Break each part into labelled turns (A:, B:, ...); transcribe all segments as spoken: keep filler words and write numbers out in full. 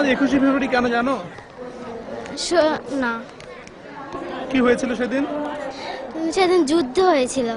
A: একুশে ফেব্রুয়ারি কেন জানো?
B: না,
A: কি হয়েছিল সেদিন?
B: সেদিন যুদ্ধ হয়েছিল।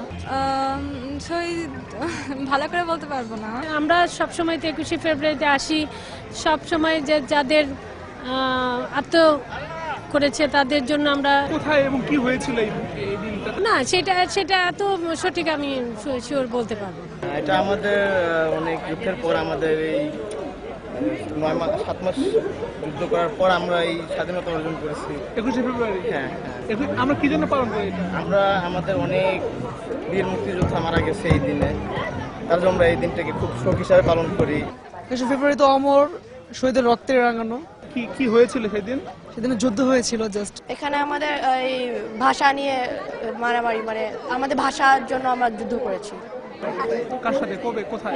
C: ভালো করে বলতে পারবো না।
D: আমরা সবসময় তো একুশে ফেব্রুয়ারিতে আসি, সবসময় যে যাদের আত্ম করেছে তাদের জন্য আমরা।
A: কোথায় এবং কি হয়েছিল এই দিনটা?
D: না, সেটা সেটা এত সঠিক আমি শিওর বলতে পারবো না।
E: এটা আমাদের অনেক যুদ্ধের পর, আমাদের এই নয় মাস সাত মাস যুদ্ধ করার পর আমরা এই স্বাধীনতা অর্জন করেছি।
A: একুশে ফেব্রুয়ারি,
E: হ্যাঁ হ্যাঁ।
A: আমরা কি জন্য পালন করি?
E: আমরা আমাদের অনেক বীর মুক্তিযোদ্ধা মারা গেছে এই দিনে, তার জন্য আমরা এই দিনটাকে খুব শোক হিসাবে পালন করি।
F: একুশে ফেব্রুয়ারি তো অমর শহীদের রক্তে রাঙানো।
A: কি কি হয়েছিল সেদিন?
F: সেদিন যুদ্ধ হয়েছিল। জাস্ট
G: এখানে আমাদের এই ভাষা নিয়ে মারামারি, মানে আমাদের ভাষার জন্য আমরা যুদ্ধ করেছি।
A: কার সাথে, কবে, কোথায়?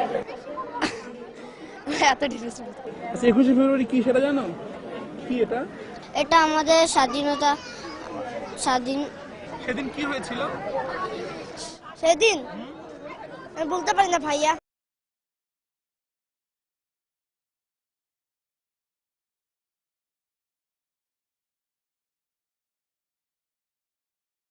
G: এত ডিটেইলস।
A: আচ্ছা, একুশে ফেব্রুয়ারি কি সেটা জানো? কি এটা?
B: এটা আমাদের স্বাধীনতা। স্বাধীন
A: সেদিন কি হয়েছিল?
B: সেদিন আমি বলতে পারি না ভাইয়া।